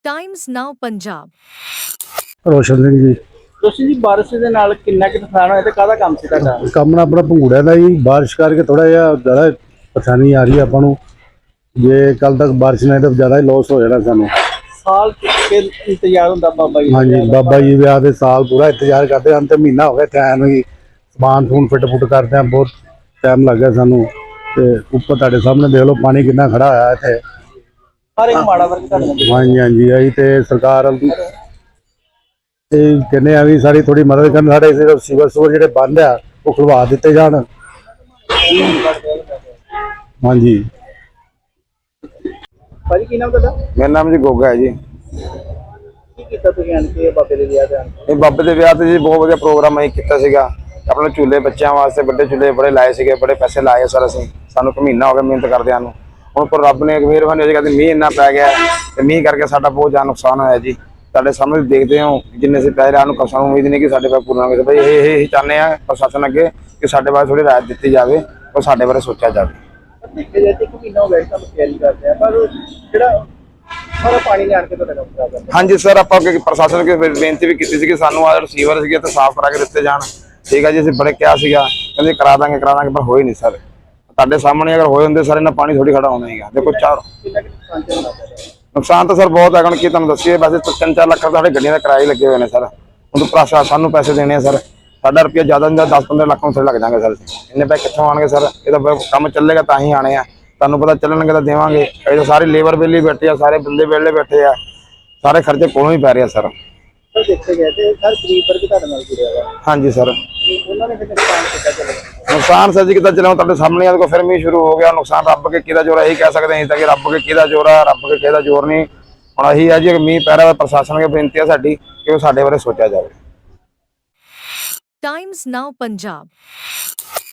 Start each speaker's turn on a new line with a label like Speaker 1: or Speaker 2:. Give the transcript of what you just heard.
Speaker 1: Times Now Punjab.
Speaker 2: Roshan Singh ji.
Speaker 3: ਤੁਸੀਂ ਜੀ ਬਾਰਿਸ਼ ਦੇ ਨਾਲ ਕਿੰਨਾ ਕੁ ਨੁਕਸਾਨ ਹੋਇਆ ਤੇ ਕਾਹਦਾ ਕੰਮ ਸੀ ਤੁਹਾਡਾ?
Speaker 2: ਕੰਮ ਨਾ ਆਪਣਾ ਭੰਗੂੜਿਆਂ ਦਾ ਜੀ। ਬਾਰਿਸ਼ ਕਰਕੇ ਥੋੜਾ ਜਿਹਾ ਜ਼ਿਆਦਾ ਪਰੇਸ਼ਾਨੀ ਆ ਰਹੀ ਹੈ ਆਪਾਂ ਨੂੰ। ਜੇ ਕੱਲ ਤੱਕ ਬਾਰਿਸ਼ ਨਹੀਂ ਤਾਂ ਜ਼ਿਆਦਾ ਹੀ ਲੋਸ ਹੋ ਜਾਣਾ ਸਾਨੂੰ।
Speaker 3: ਸਾਲ ਕੇ ਇੰਤਜ਼ਾਰ ਹੁੰਦਾ ਬਾਬਾ ਜੀ ਦਾ।
Speaker 2: ਹਾਂਜੀ, ਬਾਬਾ ਜੀ ਵਿਆਹ ਦੇ ਸਾਲ ਪੂਰਾ ਇੰਤਜ਼ਾਰ ਕਰਦੇ ਹਨ ਤੇ ਮਹੀਨਾ ਹੋ ਗਿਆ ਟਾਈਮ ਹੀ ਸਮਾਨ ਸਮੂਨ ਫਿੱਟ ਫੁੱਟ ਕਰਦੇ ਆ। ਬਹੁਤ ਟਾਈਮ ਲੱਗ ਗਿਆ ਸਾਨੂੰ। ਤੇ ਉੱਪਰ ਤੁਹਾਡੇ ਸਾਹਮਣੇ ਦੇਖ ਲਓ ਪਾਣੀ ਕਿੰਨਾ ਖੜਾ ਹੋਇਆ ਇੱਥੇ।
Speaker 3: ਹਰ ਇੱਕ ਮਾੜਾ ਵਰਗ ਤੁਹਾਡੇ ਨਾਲ।
Speaker 2: ਹਾਂਜੀ ਹਾਂਜੀ, ਅਸੀਂ ਤੇ ਸਰਕਾਰ ਇਹ ਕਹਿੰਦੇ ਆ ਵੀ ਸਾਡੀ ਥੋੜੀ ਮਦਦ ਕਰਨ। ਸਾਡੇ ਸਿਵਲ ਸਟੋਰ ਜਿਹੜੇ ਬੰਦ ਆ ਉਹ ਖੁਲਵਾ ਦਿੱਤੇ ਜਾਣ। ਹਾਂਜੀ।
Speaker 3: ਭਾਜੀ ਕੀ ਨਾਮ ਤੁਹਾਡਾ?
Speaker 4: ਮੇਰਾ ਨਾਮ ਜੀ ਗੋਗਾ ਹੈ ਜੀ।
Speaker 3: ਕੀ ਕੀਤਾ ਤੁਸੀਂ ਆਣ ਕੇ ਬਾਬੇ ਦੇ ਵਿਆਹ ਤੇ?
Speaker 4: ਇਹ ਬਾਬੇ ਦੇ ਵਿਆਹ ਤੇ ਜੀ ਬਹੁਤ ਵਧੀਆ ਪ੍ਰੋਗਰਾਮ ਅਸੀਂ ਕੀਤਾ ਸੀਗਾ। ਆਪਣੇ ਝੂਲੇ ਬੱਚਿਆਂ ਵਾਸਤੇ ਵੱਡੇ ਝੂਲੇ ਬੜੇ ਲਾਏ ਸੀਗੇ, ਬੜੇ ਪੈਸੇ ਲਾਏ ਸਰ ਅਸੀਂ। ਸਾਨੂੰ ਇੱਕ ਮਹੀਨਾ ਹੋ ਗਿਆ ਮਿਹਨਤ ਕਰਦਿਆਂ ਨੂੰ। ਹੁਣ ਪਰ ਰੱਬ ਨੇ ਮਿਹਰਬਾਨੀ ਹੋਈ ਕਿ ਮੀਂਹ ਇੰਨਾ ਪੈ ਗਿਆ ਤੇ ਮੀਂਹ ਕਰਕੇ ਸਾਡਾ ਬਹੁਤ ਜ਼ਿਆਦਾ ਨੁਕਸਾਨ ਹੋਇਆ ਜੀ। ਤੁਹਾਡੇ ਸਾਹਮਣੇ ਦੇਖਦੇ ਹੋ ਜਿੰਨੇ ਅਸੀਂ ਪੈਸੇ ਨੂੰ ਸਾਨੂੰ ਉਮੀਦ ਨਹੀਂ ਕਿ ਸਾਡੇ ਕੋਲ ਪੂਰਾ ਹੋਵੇ। ਬਈ ਇਹ ਚਾਹੁੰਦੇ ਆ ਪ੍ਰਸ਼ਾਸਨ ਅੱਗੇ ਕਿ ਸਾਡੇ ਬਾਰੇ ਥੋੜੀ ਰਾਹਤ ਦਿੱਤੀ ਜਾਵੇ ਔਰ ਸਾਡੇ ਬਾਰੇ ਸੋਚਿਆ ਜਾਵੇ।
Speaker 3: ਦੇਖਿਆ ਜਾਏ ਤੇ ਇੱਕ ਮਹੀਨਾ ਹੋ ਗਿਆ ਸਾਨੂੰ ਤਿਆਰੀ ਕਰਦੇ ਆ, ਪਰ ਜਿਹੜਾ ਸਾਰਾ ਪਾਣੀ ਨੇ ਆਣ ਕੇ ਤੁਹਾਡਾ ਕੰਮ ਖਰਾਬ ਕਰਤਾ।
Speaker 4: ਹਾਂਜੀ ਸਰ, ਆਪਾਂ ਪ੍ਰਸ਼ਾਸਨ ਅੱਗੇ ਬੇਨਤੀ ਵੀ ਕੀਤੀ ਸੀ ਕਿ ਸਾਨੂੰ ਆਹ ਰਿਸੀਵਰ ਸੀਗੇ ਤੇ ਸਾਫ਼ ਕਰਾ ਕੇ ਦਿੱਤੇ ਜਾਣ। ਠੀਕ ਹੈ ਜੀ, ਅਸੀਂ ਬੜੇ ਕਿਹਾ ਸੀਗਾ, ਕਹਿੰਦੇ ਕਰਾ ਦਾਂਗੇ ਪਰ ਹੋਏ ਨਹੀਂ ਸਰ। ਤੁਹਾਡੇ ਸਾਹਮਣੇ ਅਗਰ ਹੋਏ ਹੁੰਦੇ ਸਰ ਇਹਨਾਂ ਪਾਣੀ ਥੋੜੀ ਖੜਾ ਹੋਣਾ ਸੀਗਾ। ਦੇਖੋ
Speaker 3: ਕਿੰਨਾ ਕੁ ਨੁਕਸਾਨ ਝੱਲਣਾ ਪਿਆ?
Speaker 4: ਨੁਕਸਾਨ ਤਾਂ ਸਰ ਬਹੁਤ ਹੈ। ਹੁਣ ਕੀ ਤੁਹਾਨੂੰ ਦੱਸੀਏ, ਵੈਸੇ 3-4 ਲੱਖ ਸਾਡੇ ਗੱਡੀਆਂ ਦੇ ਕਿਰਾਏ ਲੱਗੇ ਹੋਏ ਨੇ ਸਰ। ਹੁਣ ਪ੍ਰਸ਼ਾਸਨ ਨੂੰ ਪੈਸੇ ਦੇਣੇ ਆ ਸਰ। ਸਾਡਾ ਰੁਪਇਆ ਜ਼ਿਆਦਾ ਨਹੀਂ 10-15 ਲੱਖ ਨੂੰ ਲੱਗ ਜਾਣਗੇ ਸਰ। ਇੰਨੇ ਪੈਸੇ ਕਿੱਥੋਂ ਆਣਗੇ ਸਰ? ਇਹ ਤਾਂ ਕੰਮ ਚੱਲੇਗਾ ਤਾਂ ਹੀ ਆਣੇ ਆ। ਤੁਹਾਨੂੰ ਪਤਾ ਚੱਲਣਗੇ ਤਾਂ ਦੇਵਾਂਗੇ। ਇਹ ਤਾਂ ਸਾਰੇ ਲੇਬਰ ਵਿਹਲੇ ਬੈਠੇ ਆ, ਸਾਰੇ ਬੰਦੇ ਵਿਹਲੇ ਬੈਠੇ ਆ, ਸਾਰੇ ਖਰਚੇ ਕੋਲੋਂ ਹੀ ਪੈ ਰਹੇ ਆ ਸਰ।
Speaker 3: ਸਰ ਦੇਖਿਆ ਜਾਏ ਤੇ ਸਰ ਗਰੀਬ ਵਰਗ ਤੁਹਾਡੇ ਨਾਲ ਜੁੜਿਆ ਵਾ,
Speaker 4: ਹਾਂਜੀ ਸਰ।
Speaker 3: ਉਹਨਾਂ ਨੇ ਫਿਰ ਨੁਕਸਾਨ ਕੀਤਾ ਚੱਲੇਗਾ।
Speaker 4: ਨੁਕਸਾਨ ਸਰ ਜੀ ਕਿੱਦਾਂ ਚੱਲਿਆ ਤੁਹਾਡੇ ਸਾਹਮਣੇ ਆ। ਦੇਖੋ ਫਿਰ ਮੀਂਹ ਸ਼ੁਰੂ ਹੋ ਗਿਆ। ਨੁਕਸਾਨ ਰੱਬ ਕੇ ਕਿਹਦਾ ਜ਼ੋਰ ਹੈ ਇਹੀ ਕਹਿ ਸਕਦੇ ਹਾਂ ਤਾਂ ਕਿ ਰੱਬ ਕੇ ਕਿਹਦਾ ਜ਼ੋਰ ਆ, ਰੱਬ ਕੇ ਕਿਹਦਾ ਜ਼ੋਰ ਨਹੀਂ। ਹੁਣ ਇਹੀ ਹੈ ਜੀ ਮੀਂਹ ਪੈ ਰਿਹਾ, ਪ੍ਰਸ਼ਾਸਨ ਅੱਗੇ ਬੇਨਤੀ ਹੈ ਸਾਡੀ ਕਿ ਉਹ ਸਾਡੇ ਬਾਰੇ ਸੋਚਿਆ ਜਾਵੇ।
Speaker 1: Times Now Punjab.